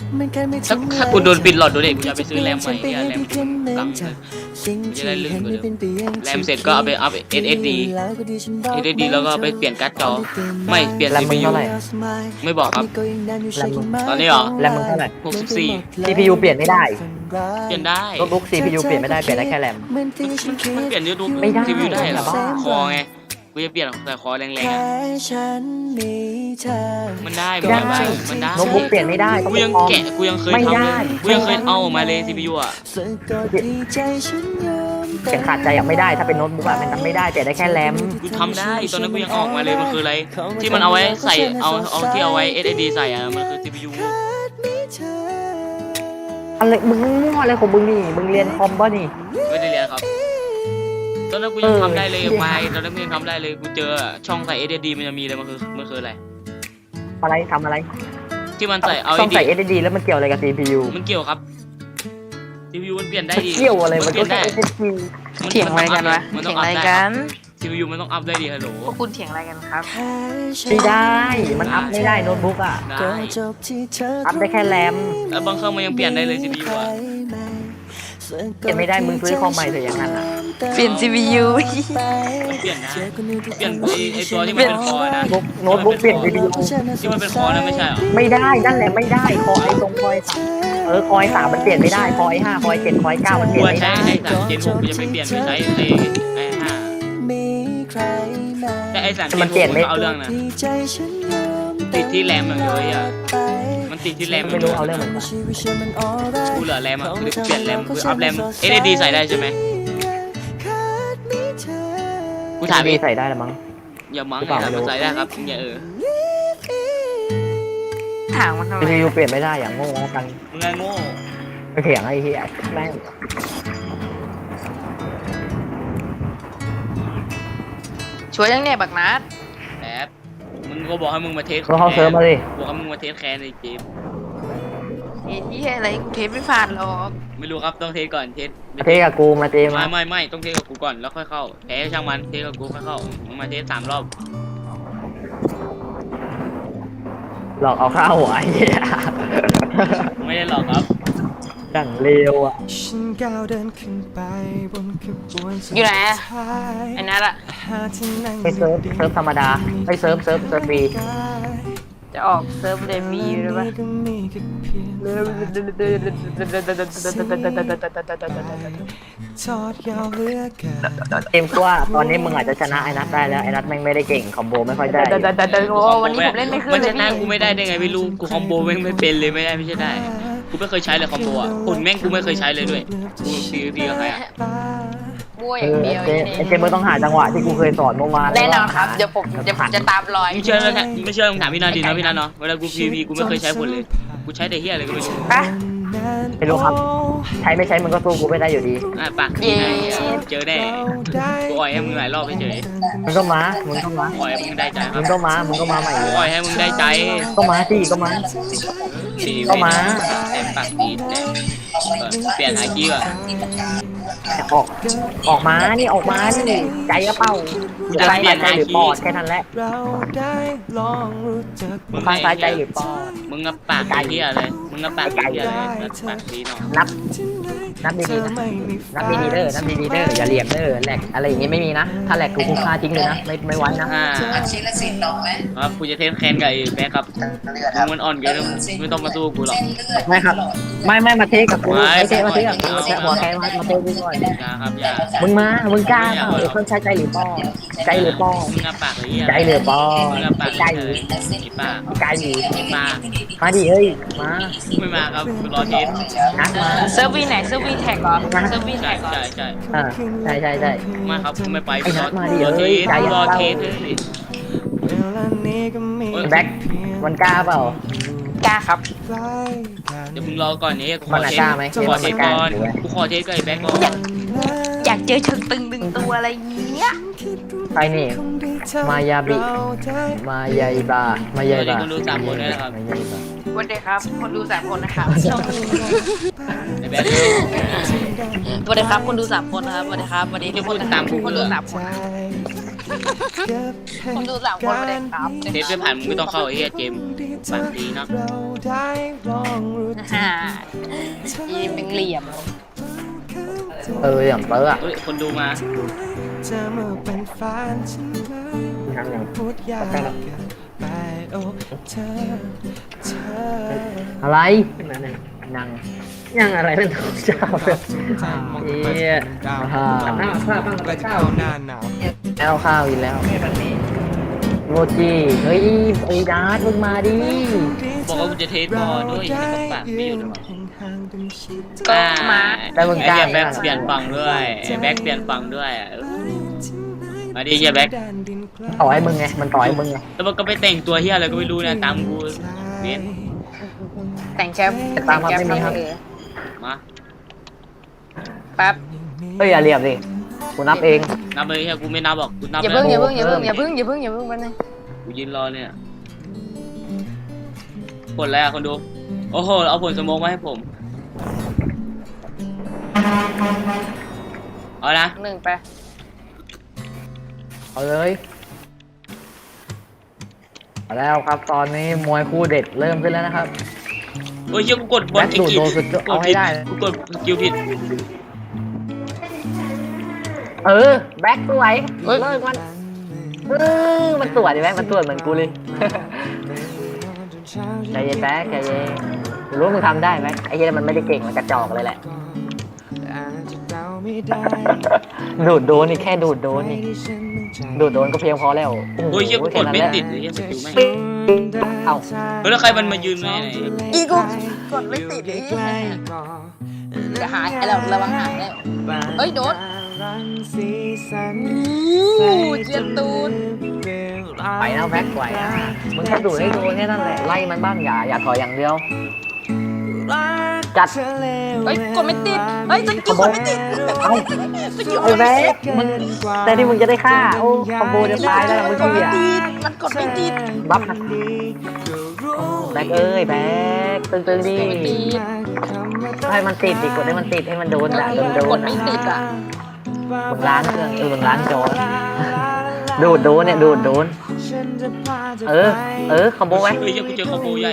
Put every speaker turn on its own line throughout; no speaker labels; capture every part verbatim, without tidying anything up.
ถ้าถ้ากูโดนปิดหลอดดูเด็กกูจะไปซื้อแรมใหม่เนี่ยแรมกังเลยจะได้ลื่นกว่าเดิมแรมเสร็จก็เอาไปอัพ เอส เอส ดี เอส เอส ดี แล้วก็ไปเปลี่ยนการ์ดจอไม่เปลี่ยน
แรม
ซี
มึ
พี
ง
ยู
เท่าไหร่
ไม่บอกครับ
แรมมึง
ตอนนี้เหรอ
แรมมึงเท่าไหร่
หกสิบสี่
ซี พี ยู เปลี่ยนไม่ได้
เปลี่ยนได้
โน้ตบุ๊ก ซี พี ยู เปลี่ยนไม่ได้เปลี่ยนได้แค่แรม
มันเปลี่ยนยูทูบ
ไม่ได้
ซีพียูได้เหรอ
บ้า
คอไงกูจะเปลี่ยนแต่คอแรงๆอะมันได้
ไม่ได้
มันได้
โน้ตบุ๊กเปลี่ยนไม่ได้ต้อง
กูยัง
คอม
แกะกูยังเคย
ไม่
ทำ
ได้
เลยกูยังเคยเอาออกมาเลย ซี พี ยู อ่ะ
เสียงขาดใจยังไม่ได้ถ้าเป็นโน้ตบุ๊กอะมันทำไม่ได้เปลี่ยนได้แค่แรม
กูทำได้ตอนนั้นกูยังเอาออกมาเลยมันคืออะไรที่มันเอาไว้ใส่เอาเอาที่เอาไว้ เอส เอส ดี ใส่อ่ะมันคือ ซี พี ยู
อะไรมึงมั่วอะไรของมึงนี่มึงเรียนคอมป่ะนี่
ไม่ได้เรียนครับตอนนั้นกูยัง
เออ
ทำได้เลย
เหี้ย
ไฟตอนนั้นกูยังทำได้เลยกูเจอช่องใส่ เอส เอส ดี มันจะมีเลยมันคือมันคืออะไร
อะไรทำอะไร
ที่มันใส่เอา
ต้องใส่
เอ
เอ
ส
ส ดี แล้วมันเกี่ยวอะไรกับ ซี พี ยู
มันเกี่ยวครับ ซี พี ยู มันเปลี่ยนได้ดี
เกี่ยวอะไรมัน
เป
ก็
ลี่ยน
แค่
ได้
เอส ดี
เถียงอะไรกันวะ
มันต้
เถี
อย ง
ง
อั
อะไร
พได้
กัน
ซี พี ยู มันต้องอัพได้ดีฮัลโหล
พวกคุณเถียงอะไรกันครับ
ไม่ได้มันอัพไม่ได้โน้ตบุ๊กอะ
ได้
อัพได้แค่แรม
แล้วบางเครื่องมันยังเปลี่ยนได้เลย ซี พี ยู อ่ะ
เปลี่ยนไม่ได้มึงซื้อคอมใหม่เถอะอย่างนั้นอะ
เปลี่ยน ซี พี ยู
มันเปลี่ยนได้เปลี่ยนไอ้ไอ้ตัวที่มันเป็นคอนะ
โน้ตบุ๊กเปลี่ยน ซี พี ยู
ที่มันเป็นคอนะไม่ใช่เหรอ
ไม่ได้นั่นแหละไม่ได้คอไอตรงคอยสามเออคอยสามมันเปลี่ยนไม่ได้คอยห้าคอยเจ็ดคอยเก้ามันเป
กู
ลี่ยนไม่
ใช้
ได้
ไอ้สามเจนหกกูจะไปเปลี่ยนไปใช้ไอ้ไอ้ห้าแต่ไอ้สามเจนหกมันก็เอาเรื่องนะติดที่แรมอย่างเดียวอ่ะมันติดที่แรม
ไม่รู้เอาเรื่องมันมา
กูเหลือแรมอ่ะกูเปลี่ยนแรมกูอัพแรม เอส เอส ดี ใส่ได้ใช่ไหมกูถาม
ดี
อีก
ใส่ได้ละมั้ง
อย่ามั้งไอ้ถามมันใส่ได้ครับอย่าเออ
ถามมันทำไม
ซี พี ยู เปลี่ยนไม่ได้อย่างโง่กัน
มึงไงโง่
ไปเถียงไอ้เหี้ยแม่ง
ช่วยยังเนี่ยบักนัด
แอบมึงก็บอกให้มึงมาเทส
ก็เข้าเซิร์ฟมาดิ
บอกให้มึงมาเทสแคนในเกม
ไอ้ที่อะไรกูเทปไม่ผ่านหรอก
ไม่รู้ครับต้องเทสก่อนเทส
มาเทกับกูมาเทมา
ไม่ไม่ไม่ต้องเทสกับกูก่อนแล้วค่อยเข้าแพ้ช่างมันเทสกับกูค่อยเข้ามึงมาเทสสามรอบ
หลอกเอาข้าวไอ้เหี้ย
ไม่ได้หรอกครับ
ดังเร็วอ่ะ
อยู่ไหนอะไอ้นัดอะ
ไปเซิร์ฟเซิร์ฟธรรมดาไปเซิร์ฟเซิร์ฟเซิร์ฟฟรี
จะออกเซิร์ฟเดบีหรือเปล่า
เกมก็ว่าตอนนี้มึงอาจจะชนะไอ้นัทได้แล้วไอ้นัทแม่งไม่ได้เก่งคอมโบไม่ค่อยได้
โอ้วันนี้ผมเล่นไม่ขึ้น
มัน
เล
ช
ย
นะ
พี่
กูไม่ได้ได้ไงไม่รู้กูคอมโบแม่งไม่เป็นเลยไม่ได้ไม่ใช่ได้กูไม่เคยใช้เลยคอมโบอ่ะผลแม่งกูไม่เคยใช้เลยด้วยกูซีพีกับใครอ่ะ
มั่วอ
เอย่าง อ
เดียว
เจ
ไอ้
ไอ้เจมึงต้องหาจังหวะที่กูเคยสอนเมื่อวาน
แน่นอนครับเดี๋ยวผมเดี๋ยวผมจะตามรอย
ไม่เชื่อแล้วนะไม่เชื่อมึงถามพี่นันดีนะพี่นันเนาะเวลากูพีพีกูไม่เคยใช้ผลเลยกูใช้แต่เฮียอะไรก็ไม่รู้
ปะ
ไม่รู้ครับ ใช้ไม่ใช้มึงก็สู้กูไม่ได้อยู่ดี
อ่ะปากดีนะเจอแน่กูอ่อยให้มึงหลายรอบไปเฉย
มึงก็มามึงก็มา
อ่อยให้มึงได้ใจค
มึ
รับ
งก็มามึงก็มาใหม่
กูอ่อยให้มึงได้ใจ
ก็มาสิก็มา
สี่
ก็มา
แต่ปากดีแต่เปลี่ยนหากี้อ่ะ
ออกออกมานี่ออกมานี่ใจกระเป้าจะไล่ใจหรือปอดแค่นั้นแหละข้างซ้ายใจหรือปอด
มึงงับปากเฮียเลยมึงงับปากเฮียเลยปากดีเนาะ
นับนับดีๆนะนับดีๆเด้อนับดีๆเด้ออย่าเหลี่ยมเด้อแหลกอะไรอย่างงี้ไม่มีนะถ้าแหลกกูคุกค่าทิ้งเลยนะไม่ไม่ไว้นะ
อ่า
ชิ้นละสิบดอกไหม
ครับกูจะเทสแคนกับไอ้แบ๊กครับมึงมันอ่อนเกินไม่ต้องมาสู้กูหรอก
ไม่ครับ ไม่ไม่มาเทสกับกู
ไม่
ไม่เทสมาเทสกับกู
ไม่
แค่หัวแค่มามาเทสกูก่อน
อย่าครับอย่า
มึงมามึงกล้าเปล่าเดี๋ยวคนใช้ใจหรือปอดใจหรือปอด
มึงงับปากเฮีย
ใจหรือปอด
มึงงับปาก
ใจ
เลยไอ้ปาก
ใจหรือ
ไอ้ปาก
มาดิเฮ้ยมา
ไม่มาครับกูรอเทส
นัดมา
เซิร์ฟวีไหนเซิร์ฟวีแท็กเหรอเซิร์ฟวี
ใช่
แท็กเหรอ
ใช่ใช่
อ่าใช่ใช่ใช่
ไม่ครับกูไม่ไป
ไอ้นัดมาดิ
รอเท
เฮ้ย
ส
ใจ
รอ
เย็น
เทสเลย
แบ็คมันกล้าเปล่าก
ล้าครับ
เดี๋ยวมึงรอก่อนนี้กูข
มั
อน
น่ะ
เทส
กล้าไหม
กูขอเทสก่อน
มันกล้าอยู่เว้ย
กูขอเทสกับไอ้แบ๊กก่อน
อยากอยากเจอเชิงตึงดึงตัวอะไรเงี้ย
ใครนี่มายาบิมายาบามายาบา
คนดูสามคนด้วยนะครับ
มายาบา
วันเดียครับคนดูสามคนนะครับ
ไอ้แบ๊ก
วันเดียครับคนดูสามคนนะครับวันเดียครับวันนี้ทุกคนนะครับคนดูสามคนคนดูสามคนวันเดียครับ
เทสไม่ผ่านมึงไม่ต้องเข้าไอ้เหี้ยเจมส์ปากดีเนาะ
ฮ่าอีเป็นเหลี่ยม
เอออย่างเตอร์อะ
เฮ้ยคนดูมา
ยังยังอะไรยังยังอะไรเป็นของเจ้าเอ๊ะฮ่า
หน้าผ้าบ้างไปข้าวหน้าหนาว
แล้วข้าวอีกแล้วโมจิเฮ้ยไอ้ดาร์ดมึงมาดิ
บอกว่ากูจะเทสบอลด้วยยังไม่ต้องปากไม่อยู่หรอ
ก็มา
แล้วมึง
ไอ้
กล้า
เหี้ยแบ็คเปลี่ยนฝั่งด้วยไอ้แบ็คเปลี่ยนฝั่งด้วยอะมาดิเหี้ยแบ็ค
ต่อยมึงไงมันต่อยมึงไง
แล้วมันก็ไปแต่งตัวเหี้ยอะไรก็ไม่รู้นะตามกูเวียน
แต่งแชมป์แต่งแชมป์ครับเออ
มา
แป๊บ
เฮ้ยอย่าเหลี่ยมดิกูนับเอง
นับเลยเหี้ยกูไม่นับหรอกกูนับ
อย่า
แล้
เพิ่ง
ว
อย่าเพิ่งอย่าเพิ่งอย่าเพิ่งอย่าเพิ่งอย่าเพิ่งแป๊บนึง
กูยืนรอเนี่ยผลแล้วคนดูโอ้โหเอาผลสโมองมาให้ผมเอานะ
หนึ่งไป
เอาเลยเอาแล้วครับตอนนี้มวยคู่เด็ดเริ่มขึ้นแล้วนะครับ
โอ้ยเหี้ยกูกดบอล
แบ็คดูด
กี่
โดนสุด
ก
เอา
ด
ให้
ผิด
ได้
กูกดสกิลผิด
เออแบ็คสวยเลิกมันเออมันสวยดิแบ็คมันสวยเหมือนกูเลย ใจเย็นแบ็คใจเย็นกูรู้ว่ามึงทำได้ไหมไอ้เหี้ยมันไม่ได้เก่งมันกระจอกเลยแหละ ดูดโดนนี่แค่ดูดโดนนี่ดูดโดนก็เพียงพอแล้ว
โอ้ยเหี้ยกูกดไม่
แค่นั้นแหละ
ติดเลยเหี้ยสกิลไม่
เอ้า
เฮ้ยแล้วใครมันมายืนในไหน
อีกูกดไม่ติดเลยจะหายแล้วระวังหายแล้วเอ้ยโดนอู้เจียนตูน
ไปแล้วแบ็คไหวนะมึงแค่ดูดให้โดนแค่นั้นแหละไล่มันบ้างอย่าอย่าถอยอย่างเดียวจัด
เฮ้ยกดไม่ติดเฮ้ยสกิลกดไม่ติด
เอ้า
สกิล
ไอ้แบ็คมึงแต่ที่มึงจะได้ฆ่าโอ้คอมโบจะตายแล้วมึง
กด
เสี
ไม่
ย
ติดมันกดไม่ติด
บัฟนะแบ็คเอ้ยแบ็คตึงตึงๆดิ
กดไม่ติด
ให้มันติดดิกดให้มันติดให้มันโดนอ่ะโดนโด
ก
น
ดไม่ติดอ่ะ
มึงล้างเครื่องเออมึงล้างจอดูดโดนเนี่ยดูดโดนเออเออคอมโบไว้
เฮ้ยเหี้ยกูเจอคอมโบใหญ่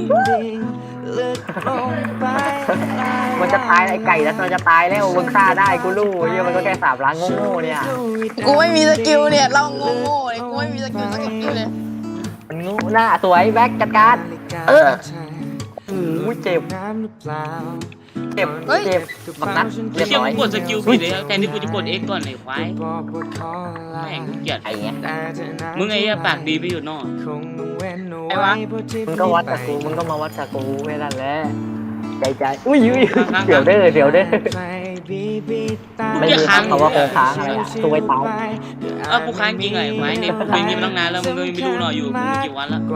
มันจะตายไอ้ไก่แล้วมันจะตายแล้วมึงฆ่าได้กูรู้เฮียมันก็แค่สามล้างโง่ๆเนี่ย
กูไม่มีสกิลเนี่ยเราโง่ๆเลยกูไม่มีสกิลสักสกิลเลย
มันโง่หน้าสวยแบ็คจัดการเอออู้เจ็บเจ็บเจ็บบักนัดเรี
เฮ้ย
ยบ
เหี้ย
ร้อย
กูกดสกิลผิดเลยแทนที่กูจะกด X ก่อนไอ้ควายแม่งกูเกลียด
ไอ้เงี้ย
มึงไอ้เหี้ยปากดีไม่อยู่นอก
ไอ้วะ
มึงก็วัดกับกูมึงก็มาวัดกับกูแค่นั้นแหละใจใจอุ้ยอุ้ยเดี๋ยวเด้อเดี๋ยวเด้อไม่มีคำว่าโคงค้างอะไรอ่ะตัวไปเตา
เออกูค้างจริงไอ้ควายเนี่ยกูเป็นอย่างงี้มาตั้งนานแล้วมึงก็ไม่รู้หน่อยอยู่มึงกี่วันแล้ว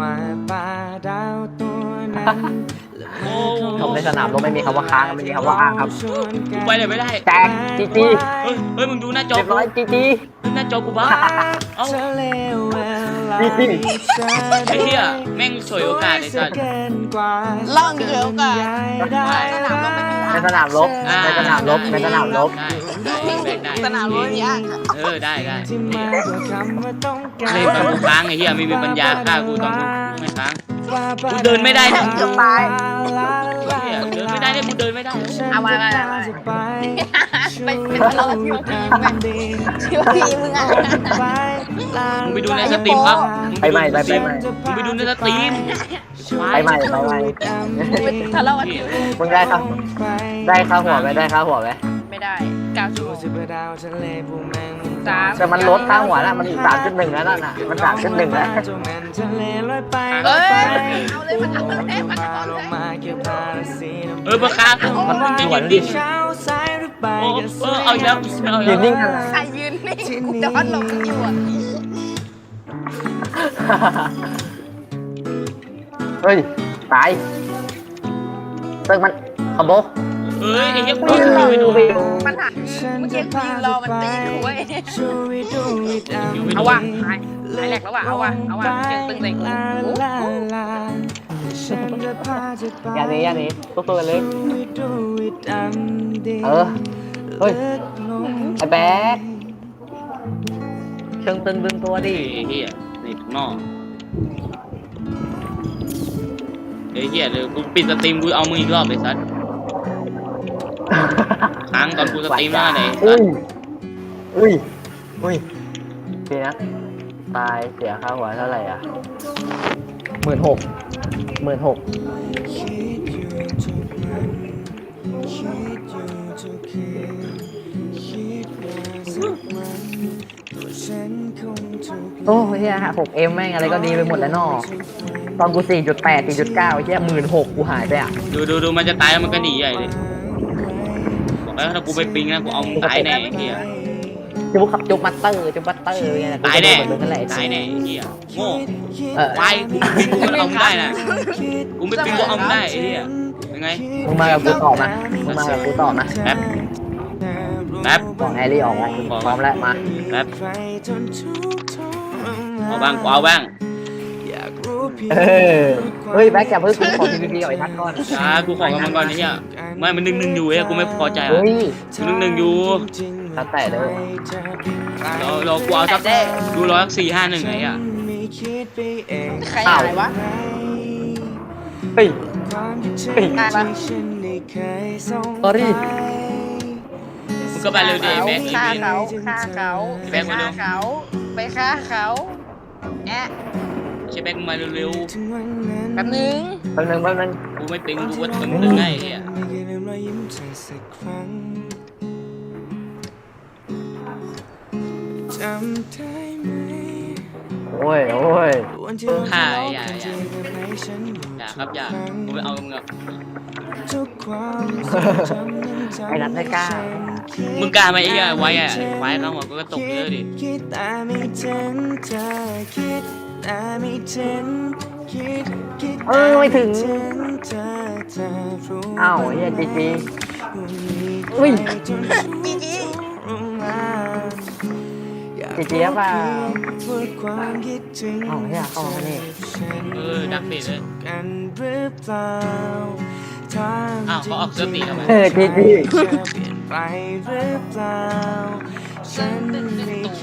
โอ้
ทำในสนามรบไม่มีคำว่าค้างไม่มีคำว่าอ้างครับ
กูไปไหนไม่ได้
แจกจีจี
เฮ้ยเฮ้ยมึงดูหน้าจอ
เรียบ
กู
ร้อยจีจี
หน้าจอกูบ้าเอ้า
จีจี
ไอ้เหี้ยแม่งฉวยโอกาสไอ้สัส
ล่องเขียวกันสนามเราไม่มี
ในสนามรบในสนามรบในสนามรบ
ได้ได้ได้
สนามเราไม่มีอ่าง
เออได้ได้เล่นตอนกูค้างไอ้เหี้ยไม่มีปัญญาฆ่ากูตอนกูไม่ค้างกูเดินไม่ได้นะ
เกือบตาย
เหี้ยเดินไม่ได้เนี่ยกูเดินไม่ได้
เอามามามาไปเป็นเราที่ว่าพีมึงที่ว่าพีมึงอ่ะ
มึงไปดูในสตรีมครับ
ไปใหม่ไปไปใหม่
มึงไปดูในสตรีม
ไปใหม่ไปใหม่
เป็นทะเลาะกันอยู่
มึงได้ครับได้ค่าหัวไหมได้ค่าหัวไหม
ไม่ได้เก้าชั่วโมงสาม
แต่มันลดค่าหัวแล้วมันสามจุดหนึ่งแล้วน่ะมันสามจุดหนึ่งแล้ว
เอ้ยเอาเลยมันเอาเลยมันเอาเลย
เออมาค้าง
มัน
มึงจะ
หว
ยิ
น
ง
ดิ
ดิโอ้เออเอาอีกแล้วเอาอีก
ยื
แล้
น
ว
นิ่งกัน
ใครยืนนี่กูจะพัดลมอยู่อ่ะ
เฮ้ยตายเติมมันคอมโบ
เอ้ยไอ้เหี้ยกู
วิ
โดนสกิลไม่โดน
มันหักเมื่อกี้กูยืนรอมันตีกูเว้ย
สกิลไม่โด
เอา
น
ว่ะหายหายแหลกแล้วว่ะเอาว่ะเอาว่ะเสียงตึงใส่กู
อย่าหนี้อย่าหนี้ตัวตัวกันเลยเออเฮ้ยไอ้แบ๊กเชิงตึงดึงตัวดิ
ไอ้เหี้ยนี่นอกอ้เหี้ยเดี๋ยวกูปิดสตรีมกูเอามึงอีกรอบเลยสัสค้างตอนกูสตรีมหน้าไหนสั
อุ้
ส
ยอุ้ยอุ้ยพี่นะตายเสียค่าหัวเท่าไหร่อ่ะหมื่นหกหมื่นหกโอ้ยเฮียหกเอ็มแม่งอะไรก็ดีไปหมดแล้วนอตอนกูสี่จุดแปดสี่จุดเก้าเฮียหมื่นหกกูหายไปอ่ะ
ดูดูดูมันจะตายแล้วมันก็หนีใหญ่เลยบอกแล้วถ้ากูไปปิงนะกูเอามึงตายแน่ไอ้เหี้ย
จุ๊บขับจุ๊บมัตเตอร์จุ๊บมัตเตอร์ไง
ตายแน่
เหมือนกันแหละ
ตายแน่ไอ้เหี้ยโง่
เออ
ควายกูปิงกูก็เอามึงได้นะกูไม่ปิงกูเอามึงได้ไอ้เหี้ยยังไง
มึงมากับกูต่อมามึงมากับกูต่อมา
แป๊บแป๊บ
บอกแอรี่ออกมาพร้อมแล้วมา
แป๊บเอาบ้างกูเอาบ้าง
เออเฮ้ยแบ็คอย่าเพิ่งกูขอทีวีเอาไอ้ทัดก่อน
อ่ากูขอกับมันก่อนไอ้เหี้ยไม่มันหนึ่งหนึ่งอยู่ไอ้กูไม่พอใจอ่ะ
เฮ้ย
หนึ่งหนึ่งอยู่
ทัดแต่เลย
เราเรากูเอาสักดูร้อยสี่ห้าหนึ่งไงอ่ะ
ใครอะไรวะ
เฮ้ยเฮ้ย
ได้ปะ
สอรี่
มึงก็ไปเร็วดิแบ็ค
ฆ่าเขาฆ่าเขา
แบ็คมา
ฆ่า
เร็ว
เขาไปฆ่าเขาแอะ
ใช่แบ็คมึงมาเร็ว
แป๊บนึง
แป๊บนึงแป๊บนึง
ๆกูไม่ปิงกูว่ามึงตึงไงไอ้เหี้ย
โอ้ยโอ้ย
ฆ่าไอ้อย่าอย่าอย่าครับอย่ากูไม่เอากับมึงอ่ะ
ไอ้นัทไม่กล้า
มึงกล้าไหมไอ้เหี้ยไว้อ่ะไว้เข้ามากูก็ตกเยอะดิ
เออไม่ถึงอ้าวเฮียจีจีอุ้ย
จีจี
จีจีเปล่าอ้าวเฮียเข้ามานี่
เออดักเฟดเลยอ้าวเขาออกเสื้อตีทำไม
เออจีจี
ตัว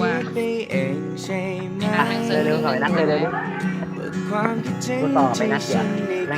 อ่ะเร็วๆหน่อยนัดเร็วๆกูต่อไปนัดเดียว